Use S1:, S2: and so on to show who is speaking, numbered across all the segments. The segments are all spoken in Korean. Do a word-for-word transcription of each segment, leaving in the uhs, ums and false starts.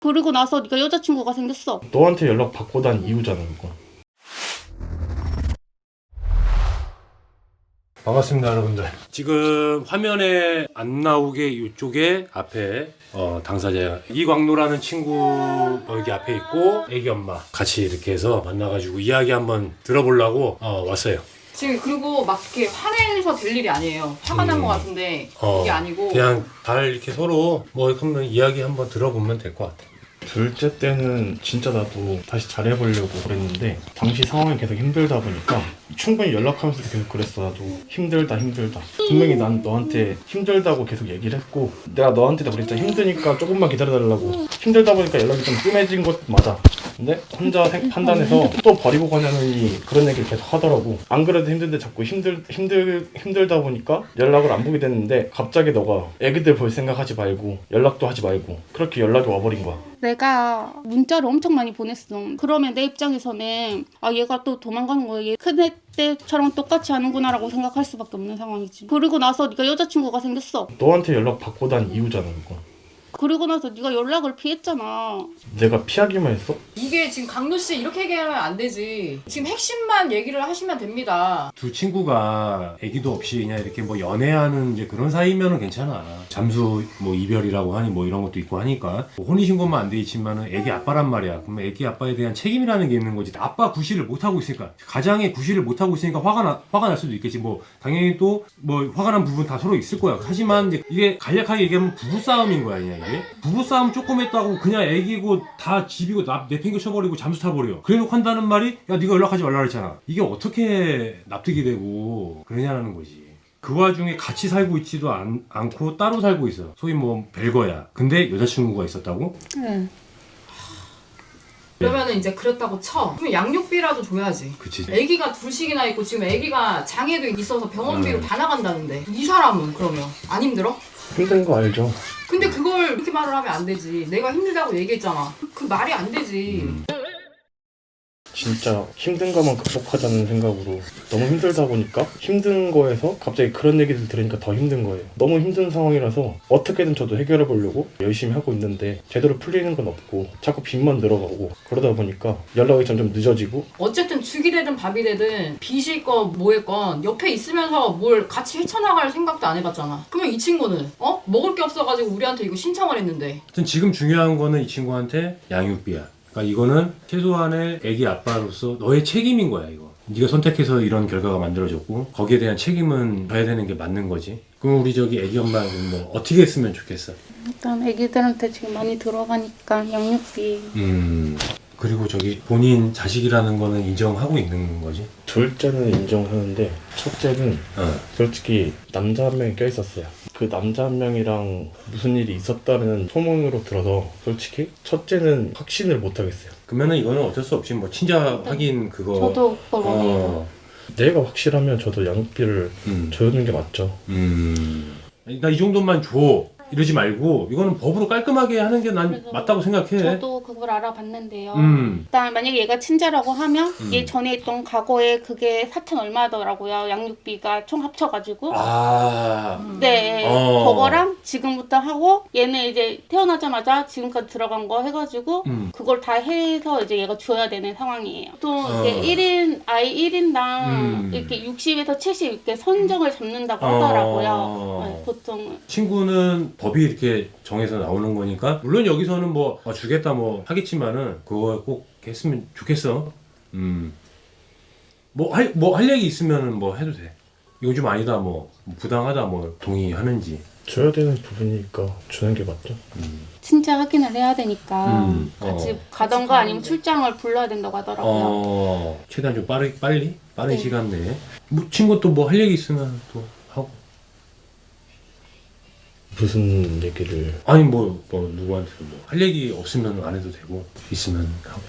S1: 그리고 나서 네가 여자친구가 생겼어.
S2: 너한테 연락 받고 난 이유잖아 그거.
S3: 반갑습니다 여러분들. 지금 화면에 안 나오게 이쪽에 앞에 어, 당사자 이광로라는 친구 여기 앞에 있고 애기 엄마 같이 이렇게 해서 만나가지고 이야기 한번 들어보려고 어, 왔어요.
S4: 지금 그리고 막 이렇게 화내서 될 일이 아니에요. 화가 난 것 같은데
S3: 어,
S4: 이게 아니고
S3: 그냥 잘 이렇게 서로 뭐 한번 이야기 한번 들어보면 될 것 같아.
S2: 둘째 때는 진짜 나도 다시 잘해보려고 그랬는데 당시 상황이 계속 힘들다 보니까 충분히 연락하면서도 계속 그랬어. 나도 힘들다 힘들다. 분명히 난 너한테 힘들다고 계속 얘기를 했고 내가 너한테도 그랬잖아. 힘드니까 조금만 기다려달라고. 힘들다 보니까 연락이 좀 뜸해진 것 맞아. 근데 혼자 생, 판단해서 또 버리고 가냐느니 그런 얘기를 계속 하더라고. 안 그래도 힘든데 자꾸 힘들, 힘들, 힘들다 보니까 연락을 안 보게 됐는데 갑자기 너가 애기들 볼 생각하지 말고 연락도 하지 말고 그렇게 연락이 와버린 거야.
S1: 내가 문자를 엄청 많이 보냈어. 그러면 내 입장에서는 아 얘가 또 도망가는 거야. 얘 큰애 때처럼 똑같이 하는구나 라고 생각할 수밖에 없는 상황이지. 그리고 나서 네가 여자친구가 생겼어.
S2: 너한테 연락 받고 난 이유잖아 그거.
S1: 그리고 나서 네가 연락을 피했잖아.
S2: 내가 피하기만 했어?
S4: 이게 지금 강도 씨 이렇게 얘기하면 안 되지. 지금 핵심만 얘기를 하시면 됩니다.
S3: 두 친구가 애기도 없이 그냥 이렇게 뭐 연애하는 이제 그런 사이면은 괜찮아. 잠수 뭐 이별이라고 하니 뭐 이런 것도 있고 하니까 뭐 혼인신고만 안 돼 있지만은 애기 아빠란 말이야. 그러면 애기 아빠에 대한 책임이라는 게 있는 거지. 아빠 구실을 못 하고 있으니까 가장의 구실을 못 하고 있으니까 화가 나 화가 날 수도 있겠지. 뭐 당연히 또 뭐 화가 난 부분 다 서로 있을 거야. 하지만 이제 이게 간략하게 얘기하면 부부 싸움인 거야 그냥 이게. 부부 싸움 조금 했다고 그냥 애기고 다 집이고 나 내팽겨 쳐버리고 잠수 타버려. 그래놓고 한다는 말이 야 네가 연락하지 말라 그랬잖아. 이게 어떻게 납득이 되고 그러냐는 거지. 그 와중에 같이 살고 있지도 않, 않고 따로 살고 있어. 소위 뭐 별거야. 근데 여자친구가 있었다고?
S1: 응.
S4: 그러면은 이제 그랬다고 쳐. 그러면 양육비라도 줘야지.
S3: 그치.
S4: 애기가 둘씩이나 있고 지금 애기가 장애도 있어서 병원비로
S3: 음.
S4: 다 나간다는데 이 사람은 그러면 안 힘들어?
S2: 힘든 거 알죠?
S4: 근데 그걸 이렇게 말을 하면 안 되지. 내가 힘들다고 얘기했잖아. 그 말이 안 되지.
S3: 음.
S2: 진짜 힘든 것만 극복하자는 생각으로 너무 힘들다 보니까 힘든 거에서 갑자기 그런 얘기를 들으니까 더 힘든 거예요. 너무 힘든 상황이라서 어떻게든 저도 해결해 보려고 열심히 하고 있는데 제대로 풀리는 건 없고 자꾸 빚만 늘어가고 그러다 보니까 연락이 점점 늦어지고.
S4: 어쨌든 죽이 되든 밥이 되든 빚일 건 뭐일 건 옆에 있으면서 뭘 같이 헤쳐나갈 생각도 안 해봤잖아. 그러면 이 친구는 어? 먹을 게 없어가지고 우리한테 이거 신청을 했는데.
S3: 하여튼 지금 중요한 거는 이 친구한테 양육비야. 그러니까 이거는 최소한의 애기 아빠로서 너의 책임인 거야 이거. 네가 선택해서 이런 결과가 만들어졌고 거기에 대한 책임은 져야 되는 게 맞는 거지. 그럼 우리 저기 애기 엄마는 뭐 어떻게 했으면 좋겠어?
S1: 일단 애기들한테 지금 많이 들어가니까 양육비.
S3: 음. 그리고 저기 본인 자식이라는 거는 인정하고 있는 거지?
S2: 둘째는 인정하는데 첫째는
S3: 어.
S2: 솔직히 남자 한 명이 껴있었어요. 그 남자 한 명이랑 무슨 일이 있었다는 소문으로 들어서 솔직히 첫째는 확신을 못 하겠어요.
S3: 그러면은 이거는 어쩔 수 없이 뭐 친자 확인 그거.
S1: 저도 그걸 원해요.
S3: 어.
S2: 내가 확실하면 저도 양육비를
S3: 음.
S2: 줘주는 게 맞죠.
S3: 음. 나 이 정도만 줘. 이러지 말고 이거는 법으로 깔끔하게 하는 게 난
S1: 그래서
S3: 맞다고 생각해.
S1: 저도 그걸 알아봤는데요.
S3: 음.
S1: 일단 만약에 얘가 친자라고 하면
S3: 음.
S1: 얘 전에 있던 과거에 그게 사천 얼마더라고요. 양육비가 총 합쳐가지고.
S3: 아.
S1: 네,
S3: 어.
S1: 그거랑 지금부터 하고 얘는 이제 태어나자마자 지금까지 들어간 거 해가지고
S3: 음.
S1: 그걸 다 해서 이제 얘가 줘야 되는 상황이에요. 또
S3: 어.
S1: 이게 일 인 아이 일 인당
S3: 음.
S1: 이렇게 육십에서 칠십 이렇게 선정을 잡는다고
S3: 어.
S1: 하더라고요. 네, 보통.
S3: 친구는 법이 이렇게 정해서 나오는 거니까 물론 여기서는 뭐 어, 주겠다 뭐 하겠지만은 그거 꼭 했으면 좋겠어. 음. 뭐 할 뭐 할 얘기 있으면은 뭐 해도 돼. 이건 좀 아니다 뭐 부당하다 뭐 동의하는지.
S2: 줘야 되는 부분이니까 주는 게 맞죠.
S3: 음.
S1: 친자 확인을 해야 되니까
S3: 음.
S1: 같이
S3: 어.
S1: 가던가
S4: 같이
S1: 아니면
S4: 가는데.
S1: 출장을 불러야 된다고 하더라고요.
S3: 어. 최대한 좀 빠르 빨리 빠른
S1: 네.
S3: 시간 내에. 뭐 친구 또 뭐 할 얘기 있으면 또 하고.
S2: 무슨 얘기를.
S3: 아니 뭐, 뭐 누구한테 뭐 할 얘기 없으면 안 해도 되고 있으면 하고.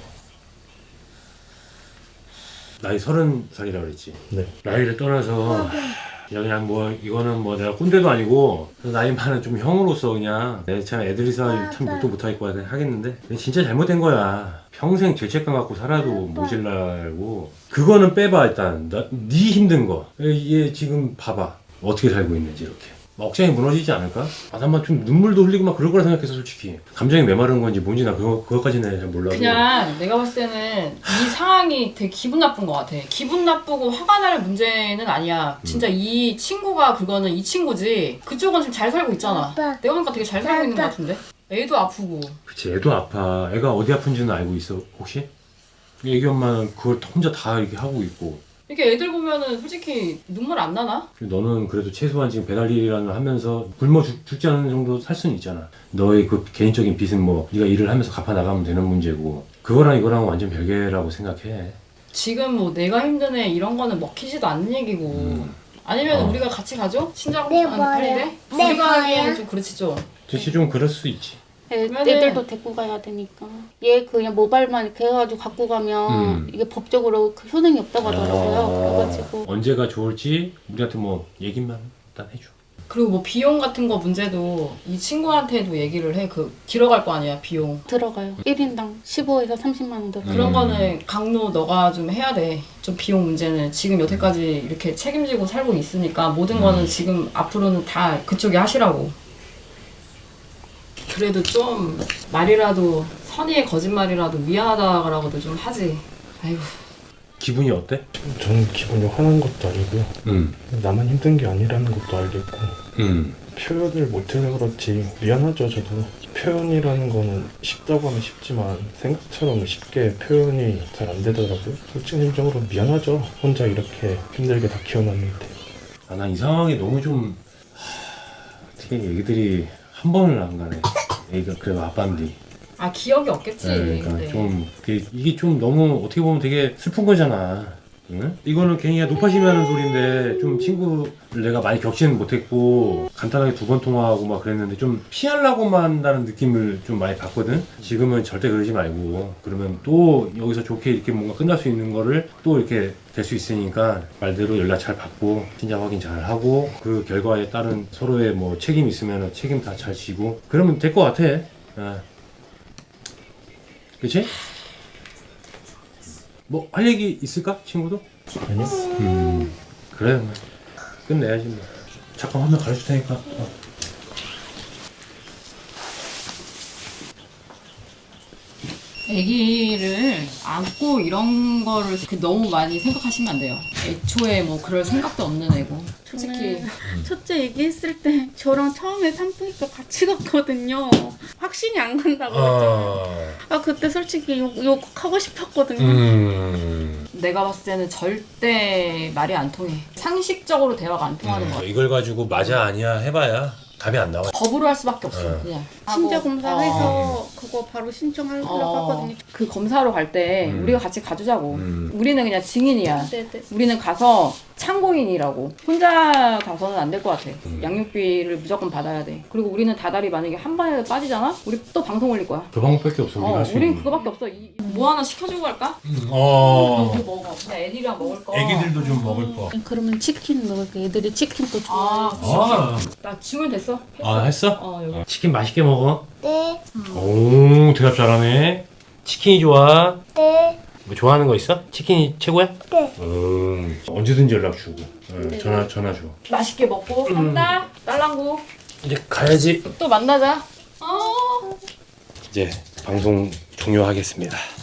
S3: 나이 서른 살이라 그랬지.
S2: 네.
S3: 나이를 떠나서 그냥 뭐 이거는 뭐 내가 꼰대도 아니고 나이 많은 좀 형으로서 그냥 내 참 애들이 참 욕도 못하겠고 하겠는데 진짜 잘못된 거야. 평생 죄책감 갖고 살아도 모질라고. 그거는 빼봐 일단. 나, 네 힘든 거. 얘 지금 봐봐 어떻게 살고 있는지 이렇게. 억장이 무너지지 않을까? 아, 난 막 좀 눈물도 흘리고 막 그럴 거라 생각했어 솔직히. 감정이 메마른 건지 뭔지 나 그거, 그것까지는 잘 몰라도
S4: 그냥 내가 봤을 때는 이 상황이 되게 기분 나쁜 것 같아. 기분 나쁘고 화가 날 문제는 아니야. 진짜 이 친구가 그거는 이 친구지. 그쪽은 지금 잘 살고 있잖아. 내가 보니까 되게 잘 살고 있는 것 같은데? 애도 아프고.
S3: 그치 애도 아파. 애가 어디 아픈지는 알고 있어 혹시? 애기 엄마는 그걸 혼자 다 이렇게 하고 있고
S4: 이렇게 애들 보면은 솔직히 눈물 안 나나?
S3: 너는 그래도 최소한 지금 배달 일이라는 하면서 굶어 죽, 죽지 않는 정도 살 수는 있잖아. 너의 그 개인적인 빚은 뭐 네가 일을 하면서 갚아 나가면 되는 문제고 그거랑 이거랑 완전 별개라고 생각해.
S4: 지금 뭐 내가 힘든 애 이런 거는 먹히지도 않는 얘기고.
S3: 음.
S4: 아니면
S3: 어.
S4: 우리가 같이 가죠? 친정
S5: 네,
S4: 안
S5: 뭐예요?
S4: 팔리대?
S5: 네,
S4: 우리가 하기에는
S5: 뭐예요?
S4: 좀 그렇지 좀.
S3: 대체 좀 그럴 수 있지.
S1: 애,
S4: 그러면은-
S1: 애들도 데리고 가야 되니까. 얘 그냥 모발만 이렇게 해가지고 갖고 가면
S3: 음.
S1: 이게 법적으로 그 효능이 없다고 하더라고요.
S3: 아,
S1: 그래가지고
S3: 언제가 좋을지 우리한테 뭐 얘기만 일단 해줘.
S4: 그리고 뭐 비용 같은 거 문제도 이 친구한테도 얘기를 해. 그 길어갈 거 아니야 비용.
S1: 들어가요. 일 인당 십오에서 삼십만 원 들어가요.
S4: 그런
S3: 음.
S4: 거는 강로 너가 좀 해야 돼. 좀 비용 문제는 지금 여태까지 이렇게 책임지고 살고 있으니까 모든 거는 지금 앞으로는 다 그쪽이 하시라고. 그래도 좀 말이라도 선의의 거짓말이라도 미안하다라고도 좀 하지. 아이고.
S3: 기분이 어때?
S2: 저는 기분이 화난 것도 아니고요.
S3: 응.
S2: 나만 힘든 게 아니라는 것도 알겠고
S3: 응.
S2: 표현을 못해서 그렇지 미안하죠. 저도 표현이라는 거는 쉽다고 하면 쉽지만 생각처럼 쉽게 표현이 잘 안 되더라고요. 솔직히 미안하죠. 혼자 이렇게 힘들게 다 키워놨는데.
S3: 아, 난 이 상황이 너무 좀 하... 어떻게 얘기들이 한 번을 안 가네. 애기가 그래도 아빠인데.
S4: 아 기억이 없겠지.
S3: 네, 그러니까
S4: 근데.
S3: 좀 그게- 이게 좀 너무 어떻게 보면 되게 슬픈 거잖아. 응? 이거는 괜히 높아심이 하는 소리인데 좀 친구를 내가 많이 겪지는 못했고 간단하게 두 번 통화하고 막 그랬는데 좀 피하려고만 한다는 느낌을 좀 많이 받거든. 지금은 절대 그러지 말고 그러면 또 여기서 좋게 이렇게 뭔가 끝날 수 있는 거를 또 이렇게 될 수 있으니까 말대로 연락 잘 받고 진짜 확인 잘 하고 그 결과에 따른 서로의 뭐 책임 있으면 책임 다 잘 지고 그러면 될 것 같아. 어. 그치? 뭐 할 얘기 있을까? 친구도?
S2: 아니요?
S3: 음 그래 뭐. 끝내야지 뭐. 잠깐 화면 가려줄 테니까 어.
S4: 아기를 안고 이런 거를 그 너무 많이 생각하시면 안 돼요. 애초에 뭐 그럴 생각도 없는 애고. 솔직히
S1: 저는 첫째 얘기했을 때 저랑 처음에 산부인과 같이 갔거든요. 확신이 안 간다고 했잖아요. 아 그때 솔직히 욕, 욕하고 싶었거든요.
S3: 음.
S4: 내가 봤을 때는 절대 말이 안 통해. 상식적으로 대화가 안 통하는 거야.
S3: 이걸 가지고 맞아 아니야 해봐야 답이 안 나와.
S4: 법으로 할 수밖에 없어.
S3: 어.
S4: 그냥.
S1: 신체
S4: 하고,
S1: 검사해서
S4: 어.
S1: 그거 바로 신청하려고
S4: 어.
S1: 하거든요.
S4: 그 검사로 갈 때
S3: 음.
S4: 우리가 같이 가주자고.
S3: 음.
S4: 우리는 그냥 증인이야.
S1: 네네.
S4: 우리는 가서 참고인이라고. 혼자 가서는 안 될 것 같아.
S3: 음.
S4: 양육비를 무조건 받아야 돼. 그리고 우리는 다달이 만약에 한 번에 빠지잖아? 우리 또 방송 올릴 거야.
S3: 그 방법밖에 없어 우리가
S4: 어,
S3: 할 수
S4: 우린
S3: 있는.
S4: 그거밖에 없어. 이, 뭐 하나 시켜주고 갈까?
S3: 어.
S4: 이거 먹어. 그냥 애들이랑 먹을 거.
S3: 애기들도 좀 먹을 거.
S1: 그러면 치킨 먹을게. 애들이 치킨 또 좋아해.
S4: 아,
S3: 아,
S4: 나 주문 됐어. 했어.
S3: 아 했어?
S4: 어, 여기.
S3: 치킨 맛있게 먹어.
S5: 네,
S3: 오 대답 잘하네. 치킨이 좋아.
S5: 네,
S3: 뭐 좋아하는 거 있어? 치킨이 최고야?
S5: 네.
S3: 음 언제든지 연락 주고 응,
S1: 네.
S3: 전화 전화 줘.
S4: 맛있게 먹고 간다. 딸랑구.
S3: 이제 가야지.
S4: 또 만나자. 어.
S3: 이제 방송 종료하겠습니다.